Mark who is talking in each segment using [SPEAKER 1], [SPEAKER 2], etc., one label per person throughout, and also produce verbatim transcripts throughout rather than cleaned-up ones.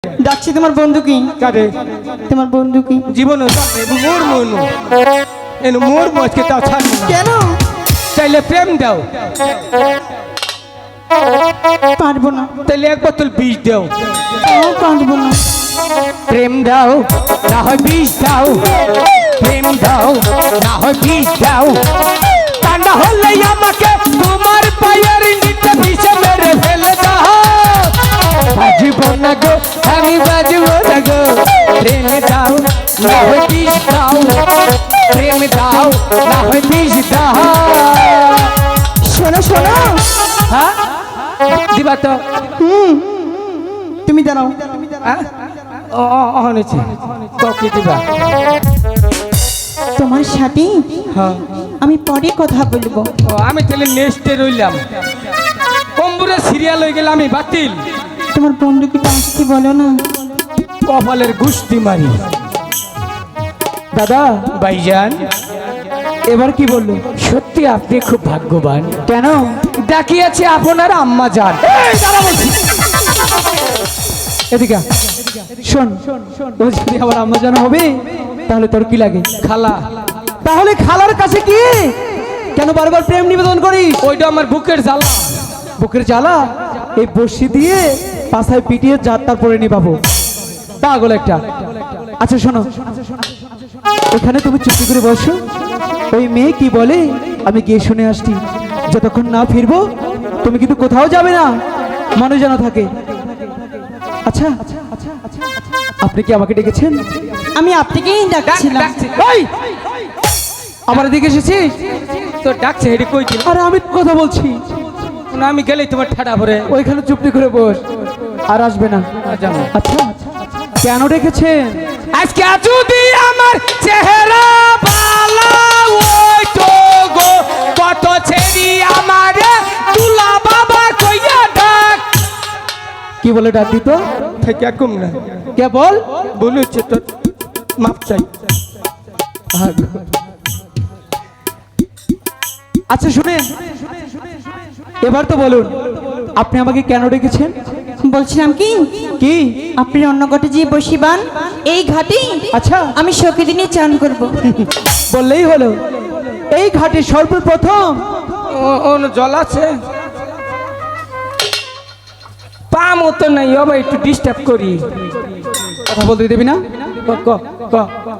[SPEAKER 1] ডাকছি তোমার বন্ধু কি?
[SPEAKER 2] কারে?
[SPEAKER 1] তোমার বন্ধু কি?
[SPEAKER 2] জীবনে মোর মন এন মোর মজকে তাও ছাড়বো না।
[SPEAKER 1] কেন?
[SPEAKER 2] চাইলে প্রেম দাও।
[SPEAKER 1] পারবো না।
[SPEAKER 2] তাইলে এক বোতল বিষ দাও।
[SPEAKER 1] তাও পারবো না।
[SPEAKER 2] প্রেম দাও না হয় বিষ দাও। প্রেম দাও না হয় বিষ দাও। তা না হলে আমাকে তোমার পায়ের নিচে বিষে মেরে ফেলে দাও। বাজবো না গো আমি বাজবো না গো। প্রেম দাও না হয় বিষ দাও। প্রেম দাও না হয় বিষ দাও।
[SPEAKER 1] শোনো শোনো।
[SPEAKER 2] হ্যাঁ দিবা তো?
[SPEAKER 1] হুম তুমি দাঁড়াও।
[SPEAKER 2] হ্যাঁ ও ও নিচে তো কি দিবা?
[SPEAKER 1] তোমার সাথে
[SPEAKER 2] হ্যাঁ
[SPEAKER 1] আমি পরে কথা বলবো।
[SPEAKER 2] ও আমি তাহলে নেক্সটে রইলাম। কম্বুরে সিরিয়াল হয়ে গেলে আমি বাতিল।
[SPEAKER 1] তোমার বন্ধুকে আসতে বলো না।
[SPEAKER 2] কপালের গুষ্টি মারি। দাদা ভাইজান এবার কি বললো? সত্যি আপনি খুব ভাগ্যবান। কেন? ডাকিয়েছে আপনার আম্মা যান। এই দাঁড়া বলছি। এদিকে আয়। শোন ও যদি আমার আম্মা জান হবে তাহলে তোর কি লাগে? খালা।
[SPEAKER 3] তাহলে খালার কাছে কি কেন বারবার প্রেম নিবেদন করিস?
[SPEAKER 2] ওইটা আমার বুকের জ্বালা।
[SPEAKER 3] বুকের জ্বালা এই বর্ষি দিয়ে পাছায় পিটিয়ে যাত্রা পরে নিবাবো। পাগল একটা। আচ্ছা শোনো, এখানে তুমি চুপটি করে বসো। ওই মেয়ে কি বলে আমি গিয়ে শুনে আসছি। যতক্ষণ না ফিরবো তুমি কিন্তু কোথাও যাবে না, মনে যেন থাকে। আচ্ছা আপনি কি আমাকে ডেকেছেন?
[SPEAKER 1] আমি আপনাকেই ডাকছিলাম।
[SPEAKER 3] এই আবার এদিকে এসেছিস?
[SPEAKER 2] তো ডাকছে হেডে কই দিল?
[SPEAKER 3] আরে আমি তো কথা বলছি।
[SPEAKER 2] না আমি গেলেই তোমার ঠাডা ভরে।
[SPEAKER 3] ওইখানে চুপটি করে বস, আর আসবে না।
[SPEAKER 2] জানো
[SPEAKER 3] আচ্ছা কেন ডেকেছেন?
[SPEAKER 2] আজকে যদি আমার চেহারা ভালো ওই তো গো কত ছেড়ি আমারে তুলা বাবা কইয়া ডাক।
[SPEAKER 3] কি বলে ডাক দিত?
[SPEAKER 2] থেকে কম না
[SPEAKER 3] কে বল?
[SPEAKER 2] বলেছে তো মাপ চাই।
[SPEAKER 3] আচ্ছা শুনেন, এবার তো বলুন আপনি আমাকে কেন ডেকেছেন?
[SPEAKER 1] বলছিলাম কি
[SPEAKER 3] কি?
[SPEAKER 1] আপনি অন্য ঘাটে যে বসিবান এই ঘাটে
[SPEAKER 3] আচ্ছা
[SPEAKER 1] আমি সখী দিনে চান করব।
[SPEAKER 3] বললেই হলো। এই ঘাটে সর্বপ্রথম
[SPEAKER 2] ও জল আছে পা মতো নাই, আবার একটু ডিস্টার্ব করি।
[SPEAKER 3] কথা বলতে দেবি না?
[SPEAKER 2] ক ক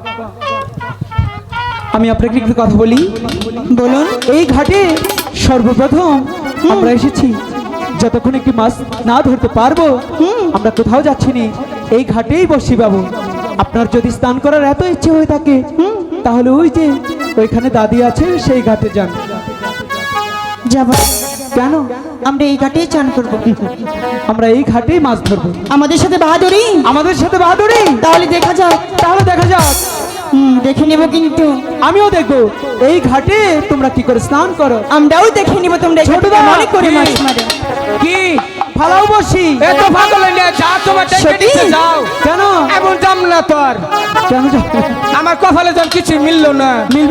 [SPEAKER 3] আমি আপনাকে একটু কথা বলি।
[SPEAKER 1] বলুন।
[SPEAKER 3] এই ঘাটে সর্বপ্রথম আমরা এসেছি। যতক্ষণ একটি মাছ না ধরতে পারবো আমরা কোথাও যাচ্ছি না, এই ঘাটেই বসি বাবু। আপনার যদি স্নান করার এত ইচ্ছে হয়ে থাকে তাহলে ওই যে ওইখানে দাদি আছে সেই ঘাটে যান।
[SPEAKER 1] যাব।
[SPEAKER 3] কেন?
[SPEAKER 1] আমরা এই ঘাটেই চান করব।
[SPEAKER 3] আমরা এই ঘাটেই মাছ ধরবো।
[SPEAKER 1] আমাদের সাথে বাহাদুরি।
[SPEAKER 3] আমাদের সাথে বাহাদুরি?
[SPEAKER 1] তাহলে দেখা যাক।
[SPEAKER 3] তাহলে দেখা যাক।
[SPEAKER 1] হুম দেখে নেব কিন্তু।
[SPEAKER 3] আমিও দেখবো এই ঘাটে তোমরা কি করে স্নান করো।
[SPEAKER 1] আমরাও দেখে নিব তোমরা
[SPEAKER 3] ছোটদা,
[SPEAKER 1] মনে করে মাছ মারে।
[SPEAKER 2] কি
[SPEAKER 3] ফালাও বসি।
[SPEAKER 2] এত পাগল হইলে যা তোমার ডেকে
[SPEAKER 1] সত্যি?
[SPEAKER 2] নিতে যাও।
[SPEAKER 3] কেন?
[SPEAKER 2] এমন যাম না তোর।
[SPEAKER 3] কেন যাবে?
[SPEAKER 2] আমার কপালে যখন কিছু মিললো না।